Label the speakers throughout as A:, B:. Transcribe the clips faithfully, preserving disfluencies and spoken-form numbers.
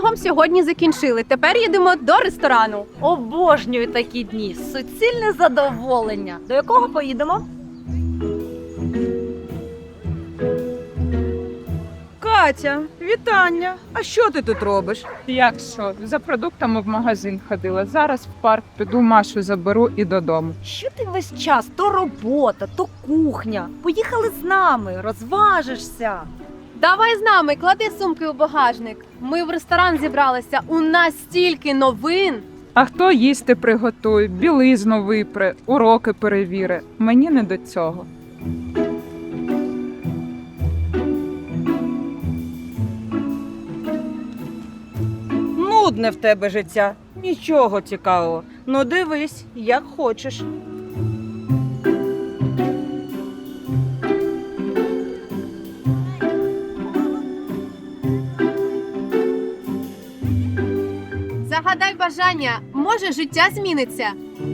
A: потягом сьогодні закінчили. Тепер їдемо до ресторану.
B: Обожнюю такі дні. Суцільне задоволення. До якого поїдемо?
C: Катя, вітання! А що ти тут робиш?
D: Як що? За продуктами в магазин ходила. Зараз в парк піду, Машу заберу і додому.
B: Що ти весь час? То робота, то кухня. Поїхали з нами, розважишся.
A: Давай з нами, клади сумки у багажник. Ми в ресторан зібралися. У нас стільки новин.
D: А хто їсти приготує, білизну випре, уроки перевіри. Мені не до цього.
C: Нудне в тебе життя. Нічого цікавого. Ну дивись, як хочеш.
A: Загадай бажання, може життя зміниться.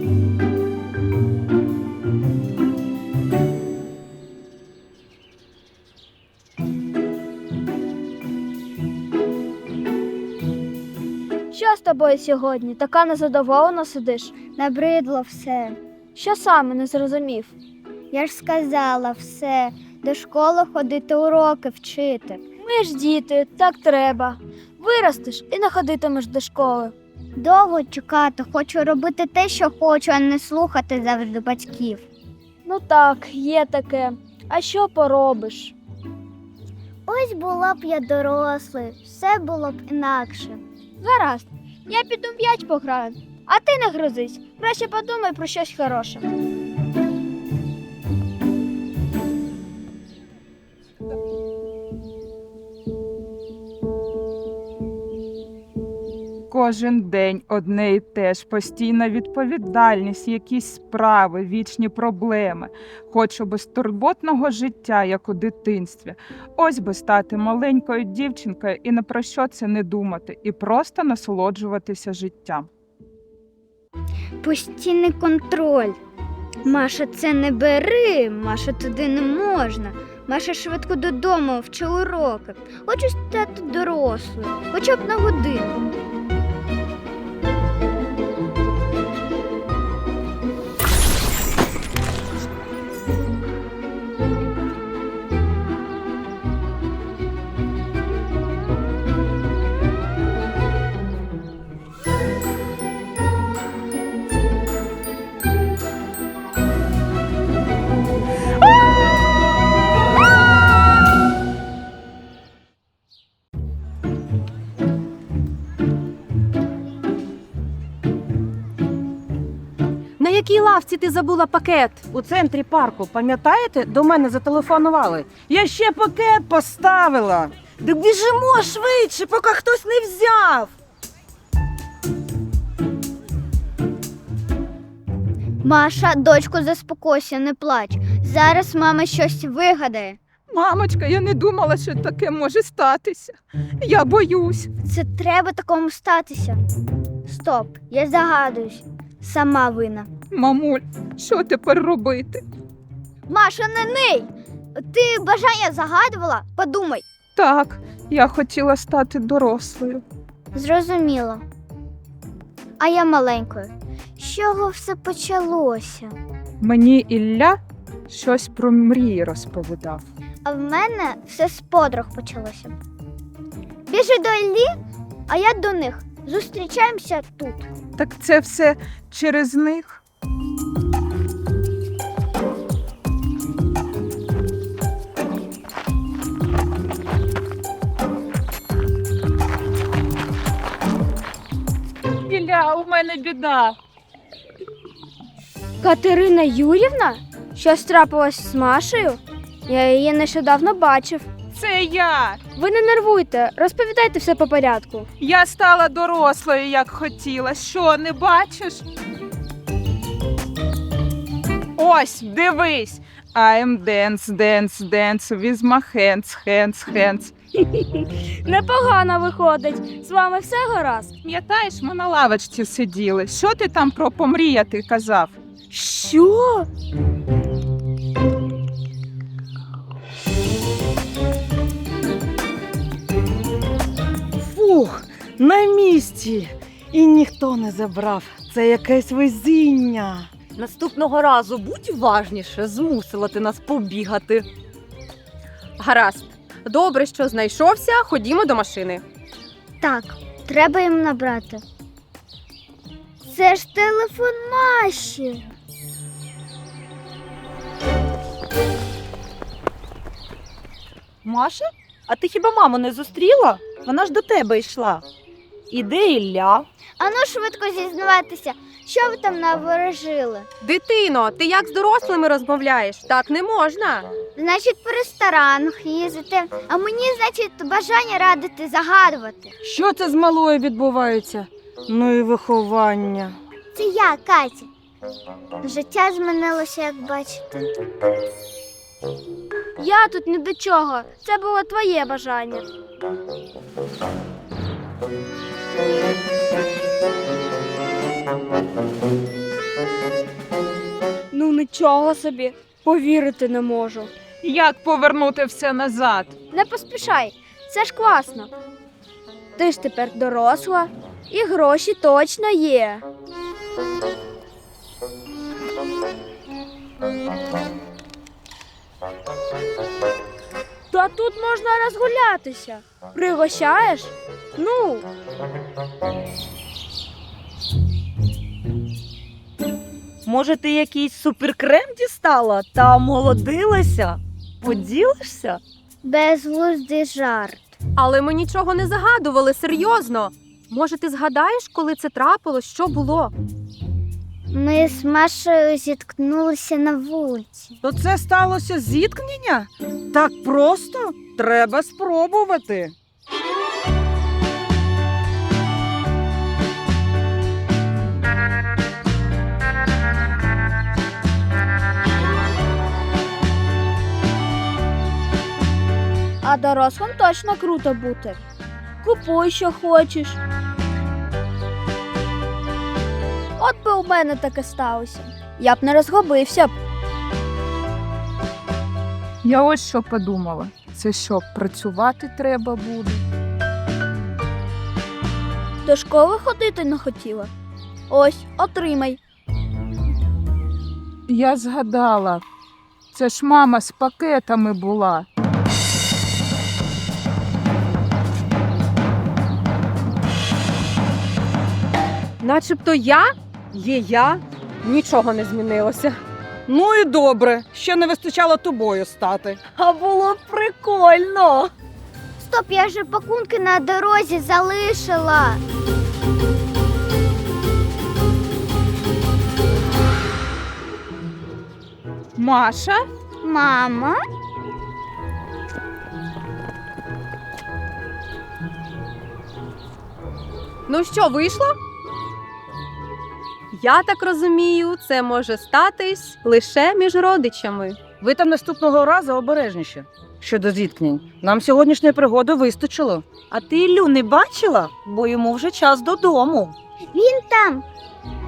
E: Що з тобою сьогодні? Така незадоволена сидиш? Набридло все. Що саме не зрозумів? Я ж сказала все. До школи ходити, уроки вчити. Ми ж діти, так треба. Виростеш і не ходитимеш до школи. Довго чекати, хочу робити те, що хочу, а не слухати завжди батьків. Ну так, є таке. А що поробиш? Ось була б я дорослий, все було б інакше. Гаразд, я піду в м'яч пограю, а ти не грозись. Краще подумай про щось хороше.
D: Кожен день одне і те ж, постійна відповідальність, якісь справи, вічні проблеми. Хочу безтурботного життя, як у дитинстві. Ось би стати маленькою дівчинкою і ні про що це не думати, і просто насолоджуватися життям.
E: Постійний контроль. Маша, це не бери, Маша, туди не можна. Маша, швидко додому, вчи уроки. Хочу стати дорослою, хоча б на годину.
A: На якій лавці ти забула пакет?
C: У центрі парку, пам'ятаєте, до мене зателефонували. Я ще пакет поставила. Да біжимо швидше, поки хтось не взяв.
E: Маша, дочку, заспокойся, не плач. Зараз мама щось вигадає.
D: Мамочка, я не думала, що таке може статися. Я боюсь.
E: Це треба такому статися. Стоп, я загадуюсь. Сама вина.
D: Мамуль, що тепер робити?
E: Маша, не ний! Ти бажання загадувала? Подумай.
D: Так, я хотіла стати дорослою.
E: Зрозуміло. А я маленькою. З чого все почалося?
D: Мені Ілля щось про мрії розповідав.
E: А в мене все з подруг почалося. Біжи до Іллі, а я до них. Зустрічаємося тут.
D: Так це все через них? Ілля, у мене біда.
E: Катерина Юрівна? Щось трапилось з Машею? Я її нещодавно бачив.
D: Це я.
E: Ви не нервуйте, розповідайте все по порядку.
D: Я стала дорослою, як хотіла. Що, не бачиш? Ось, дивись. I'm dance, dance, dance with my hands, hands, hands.
E: Непогано виходить. З вами все гаразд?
D: Пам'ятаєш, ми на лавочці сиділи. Що ти там про помріяти казав?
C: Що? Фух, на місці. І ніхто не забрав. Це якесь везіння.
B: Наступного разу будь уважніше, змусила ти нас побігати.
A: Гаразд. Добре, що знайшовся. Ходімо до машини.
E: Так, треба їм набрати. Це ж телефон Маші.
B: Маша, а ти хіба маму не зустріла? Вона ж до тебе йшла. І де Ілля?
E: Ану швидко зізнавайтеся, що ви там наворожили.
A: Дитино, ти як з дорослими розмовляєш? Так не можна.
E: Значить, по ресторанах їздити, а мені, значить, бажання радити загадувати.
C: Що це з малою відбувається? Ну і виховання.
E: Це я, Катя. Життя змінилося, як бачите. Я тут ні до чого. Це було твоє бажання.
F: Ну нічого собі, повірити не можу.
D: Як повернути все назад?
E: Не поспішай, це ж класно.
F: Ти ж тепер доросла, і гроші точно є. Та тут можна розгулятися. Пригощаєш? Ну,
B: Може, ти якийсь суперкрем дістала та омолодилася? Поділишся?
E: Безглуздий жарт.
A: Але ми нічого не загадували, серйозно. Може, ти згадаєш, коли це трапилось, що було?
E: Ми з Машею зіткнулися на вулиці.
C: То це сталося зіткнення? Так просто? Треба спробувати.
F: а дорослим точно круто бути. Купуй, що хочеш. От би у мене таке сталося. Я б не розгубився б.
D: Я ось що подумала. Це що, працювати треба буде?
F: До школи ходити не хотіла. Ось, отримай.
D: Я згадала. Це ж мама з пакетами була.
A: Начебто я? Є я? Нічого не змінилося.
C: Ну і добре, ще не вистачало тобою стати.
B: А було б прикольно.
E: Стоп, я же пакунки на дорозі залишила.
D: Маша?
E: Мама?
A: Ну що, вийшло? Я так розумію, це може статись лише між родичами.
C: Ви там наступного разу обережніше. Щодо зіткнень, нам сьогоднішньої пригоди вистачило.
B: А ти Іллю не бачила? Бо йому вже час додому.
E: Він там.